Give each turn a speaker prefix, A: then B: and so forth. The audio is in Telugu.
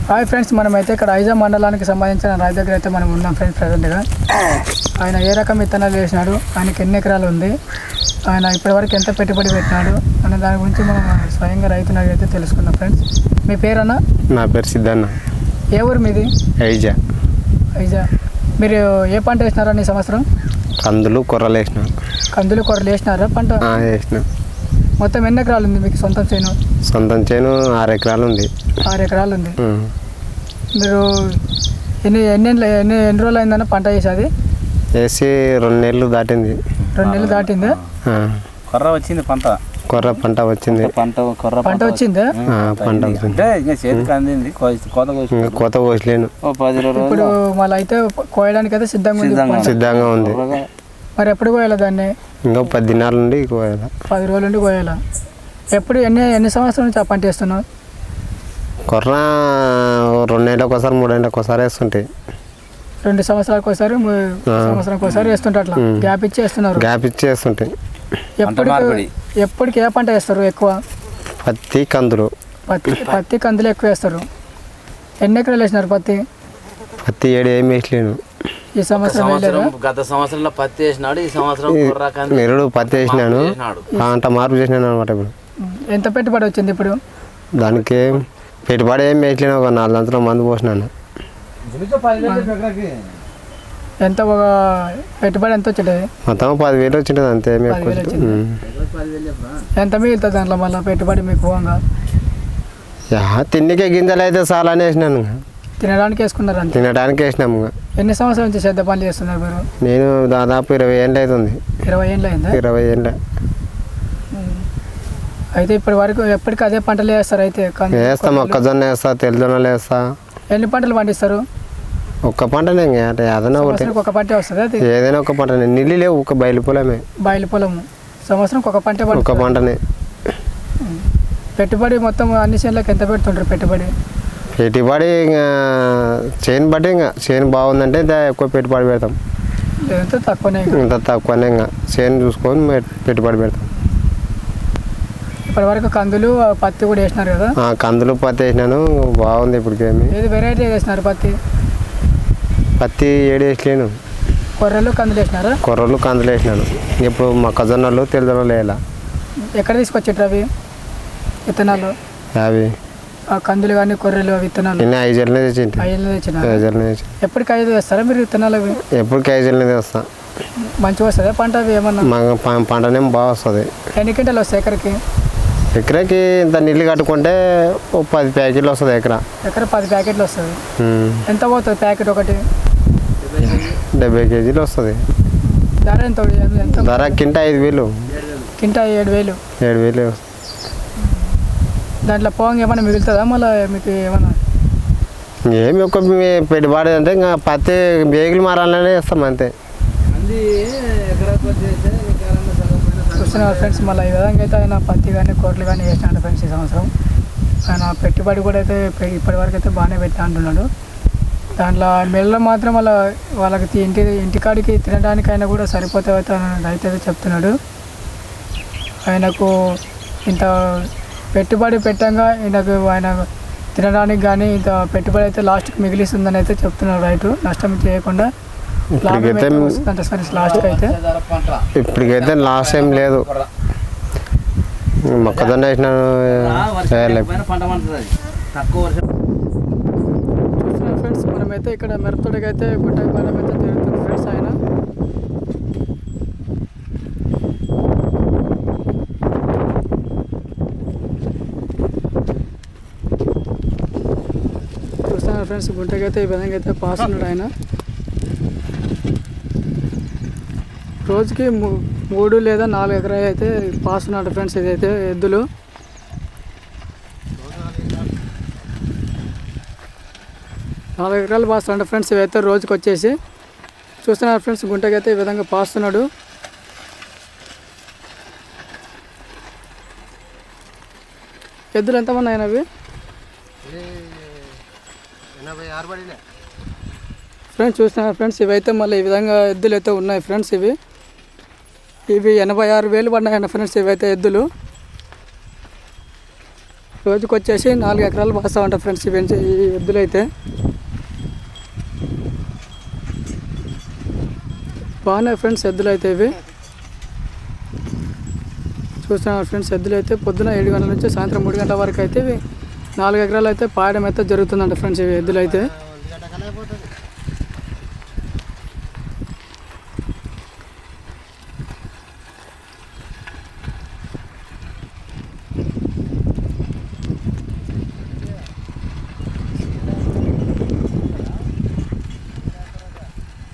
A: హాయ్ ఫ్రెండ్స్, మనమైతే ఇక్కడ ఐజా మండలానికి సంబంధించిన రైతు దగ్గర అయితే మనం ఉన్నాం ఫ్రెండ్స్. ప్రజెంట్గా ఆయన ఏ రకం విత్తనాలు వేసినాడు, ఆయనకి ఎన్ని ఎకరాలు ఉంది, ఆయన ఇప్పటివరకు ఎంత పెట్టుబడి పెట్టినాడు అనే దాని గురించి మనం స్వయంగా రైతుని అయితే తెలుసుకుందాం ఫ్రెండ్స్. మీ పేరన్నా?
B: నా పేరు సిద్ధన్న.
A: ఏ ఊరు మీది?
B: ఐజా.
A: ఐజా. మీరు ఏ పంట వేసినారా ఈ సంవత్సరం?
B: కందులు కొర్రలు వేసిన.
A: కందులు కొర్రలు వేసినారా పంట?
B: వేసిన.
A: మొత్తం ఎన్ని ఎకరాలు ఉంది మీకు సొంతం చేను?
B: సొంతం చేను 6 ఎకరాలు ఉంది.
A: 6 ఎకరాలు ఉంది. మీరు ఎన్ని రోజులు అయిందన్న పంట వేసేది?
B: వేసి 2 నెలలు దాటింది.
A: 2 నెలలు దాటిందా?
C: కొర్ర వచ్చింది పంట.
B: కొర్ర పంట వచ్చింది.
A: పంట వచ్చిందా?
B: పంట వచ్చింది.
C: చేతికి అందింది.
B: కోత కోసలేను.
A: ఇప్పుడు మళ్ళీ అయితే కోయడానికి అయితే
B: సిద్ధంగా ఉంది.
A: మరి ఎప్పుడు కోయాలి దాన్ని?
B: ఇంకా 10 దినాల నుండి కోయాలి.
A: 10 రోజుల నుండి కోయాలా? ఎప్పుడు ఎన్ని సంవత్సరాల నుంచి ఆ పంట వేస్తున్నావు?
B: కొర్ర 2 నెలలకు ఒకసారి 3 నెలలకు ఒకసారి వేస్తుంటాయి.
A: 2 సంవత్సరాలకు ఒకసారి, సంవత్సరానికి ఒకసారి వేస్తుంటే అట్లా గ్యాప్ ఇచ్చి వేస్తున్నారు.
B: గ్యాప్ ఇచ్చి వేస్తుంటాయి.
A: ఎప్పటికి ఏ పంట వేస్తారు ఎక్కువ?
B: పత్తి కందులు.
A: పత్తి కందులు ఎక్కువ వేస్తారు. ఎన్ని ఎకరాలు వేసినారు పత్తి?
B: 7 ఏమి వేసలేను.
A: ఈ సంవత్సరం
C: గత సంవత్సరంలో పత్తి వేసినాడు. ఈ సంవత్సరం
B: నిరుడు పత్తి వేసినాను. అంత మార్పు చేసినాను అనమాట. ఇప్పుడు
A: ఎంత పెట్టుబడి వచ్చింది? ఇప్పుడు
B: దానికి పెట్టుబడి ఏం వేసలేను. ఒక 4 సంవత్సరాల మందు పోసినాను.
A: ఎంత ఒక పెట్టుబడి ఎంత వచ్చింది?
B: మొత్తం 10,000 వచ్చింటుంది అంతే.
A: ఎంత మిగులుతుంది దాంట్లో మళ్ళీ పెట్టుబడి మీకు పోగా?
B: తిండికే గింజలు అయితే చాలా అని వేసినాను.
A: తినడానికి వేసుకున్నారు అంతే?
B: తినడానికి వేసినాము.
A: ఎన్ని సంవత్సరాల నుంచి శ్రద్ధ పనులు చేస్తున్నారు మీరు?
B: నేను దాదాపు 20 ఏళ్ళు అవుతుంది.
A: 20 ఏళ్ళు అయిందా?
B: 20 ఏళ్ళ.
A: అయితే ఇప్పటి వరకు ఎప్పటికీ అదే పంటలు వేస్తారు? అయితే
B: వేస్తా, మొక్కజొన్న వేస్తా, తెల్లజొన్నలు వేస్తా.
A: ఎన్ని పంటలు పండిస్తారు?
B: ఒక్క పంటనే. ఏదైనా
A: ఒక పంట వస్తుంది. అది
B: ఏదైనా ఒక పంటనే. నీళ్ళు లేవు, ఒక బయలు పొలమే.
A: బయలు పొలము. సంవత్సరం ఒక పంట.
B: ఒక పంటనే.
A: పెట్టుబడి మొత్తం అన్ని చేనులకు ఎంత పెడుతుంటారు పెట్టుబడి?
B: పెట్టుబడి ఇంకా చేను బట్టి, ఇంకా చేను బాగుందంటే ఎక్కువ పెట్టుబడి పెడతాం.
A: లేదంటే తక్కువనే.
B: ఇంత తక్కువనే. ఇంకా చేను చూసుకొని పెట్టుబడి పెడతాం.
A: ఇప్పటి వరకు కందులు పత్తి కూడా వేసినారు కదా?
B: కందులు పత్తి వేసినాను. బాగుంది. ఇప్పటికేమి
A: ఏది వెరైటీ వేసినారు? పత్తి
B: 7 వేసలేను.
A: కొర్రలు కందులు వేసినారా?
B: కొర్రలు కందులు వేసినాను. ఇప్పుడు మొక్కజొన్నలు తెల్లజొన్నలు వేయాల. ఎక్కడ
A: తీసుకొచ్చారు అవి విత్తనాలు?
B: అవి
A: కందులు కానీ కొర్రెలు విత్తనాలు?
B: 5 ఏళ్ళనే తెచ్చింది.
A: 5 ఏళ్ళు తెచ్చిన. ఎప్పటికి 5 వేస్తారా మీరు విత్తనాలు? అవి
B: ఎప్పటికి 5 ఏళ్ళనే తెస్తా.
A: మంచిగా వస్తుందా పంట? అవి ఏమన్నా
B: పంటనేమో బాగా వస్తుంది.
A: ఎన్ని క్వింటాలు వస్తాయి ఎకరకి?
B: ఎకరాకి ఇంత నీళ్ళు కట్టుకుంటే 10 ప్యాకెట్లు వస్తుంది. ఎకర
A: 10 ప్యాకెట్లు వస్తుంది. ఎంత పోతుంది ప్యాకెట్ ఒకటి?
B: 70 కేజీలు వస్తుంది.
A: ధర ఎంత?
B: ధర కింట 5,000.
A: కింట 7,000.
B: 7,000 వస్తుంది.
A: దాంట్లో పోంగా ఏమైనా మిగులుతుందా మళ్ళీ మీకు? ఏమన్నా
B: ఏమి ఒక పెట్టుబడి అంటే ఇంకా పత్తి బేగులు మారాలనే వేస్తాం అంతే.
A: చూస్తున్నారు ఫ్రెండ్స్, మళ్ళీ ఈ విధంగా అయితే ఆయన పత్తి కానీ కొర్రలు కానీ వేసినాడు ఫ్రెండ్స్. ఈ సంవత్సరం ఆయన పెట్టుబడి కూడా అయితే ఇప్పటి వరకు అయితే బాగానే పెట్టా అంటున్నాడు. దాంట్లో మెడలో మాత్రం వాళ్ళకి ఇంటికాడికి తినడానికైనా కూడా సరిపోతే అయితే రైతు అయితే చెప్తున్నాడు. ఆయనకు ఇంత పెట్టుబడి పెట్టంగా ఆయన తినడానికి కానీ ఇంత పెట్టుబడి అయితే లాస్ట్కి మిగిలిస్తుందని అయితే చెప్తున్నాడు రైతు. నష్టం చేయకుండా
B: ఇప్పటికైతే లాస్ ఏం లేదు. మొక్కజొన్న వేసిన
A: ఫ్రెండ్స్, మనమైతే ఇక్కడ మిరపతోటకి అయితే గుట్టకి పడడం అయితే జరుగుతుంది ఫ్రెండ్స్. ఆయన చూస్తున్నారు ఫ్రెండ్స్, గుంటకి అయితే ఈ విధంగా అయితే పాస్తున్నాడు ఆయన. రోజుకి 3 లేదా 4 ఎకరాలు అయితే పాస్తున్నాడు ఫ్రెండ్స్. ఇదైతే ఎద్దులు. నాలుగు ఎకరాలు పాస్తున్నాడు ఫ్రెండ్స్. ఇవైతే రోజుకి వచ్చేసి చూస్తున్నారు ఫ్రెండ్స్, గుంటకి అయితే ఈ విధంగా పాస్తున్నాడు. ఎద్దులు ఎంతమంది అయినవి?
B: 86
A: ఫ్రెండ్స్. చూస్తున్నారు ఫ్రెండ్స్, ఇవైతే మళ్ళీ ఈ విధంగా ఎద్దులు అయితే ఉన్నాయి ఫ్రెండ్స్. ఇవి 86,000 పడినాయన్న ఫ్రెండ్స్. ఇవైతే ఎద్దులు రోజుకి వచ్చేసి 4 ఎకరాలు పాస్తా ఉంటాయి ఫ్రెండ్స్ ఈ ఎద్దులు అయితే బాగున్నాయి ఫ్రెండ్స్ ఎద్దులు అయితే ఇవి చూస్తున్నారు ఫ్రెండ్స్ ఎద్దులు అయితే పొద్దున 7 గంటల నుంచి సాయంత్రం 3 గంటల వరకు అయితే ఇవి 4 ఎకరాలు అయితే పాయడం అయితే జరుగుతుందంట ఫ్రెండ్స్ ఇవి ఎద్దులు అయితే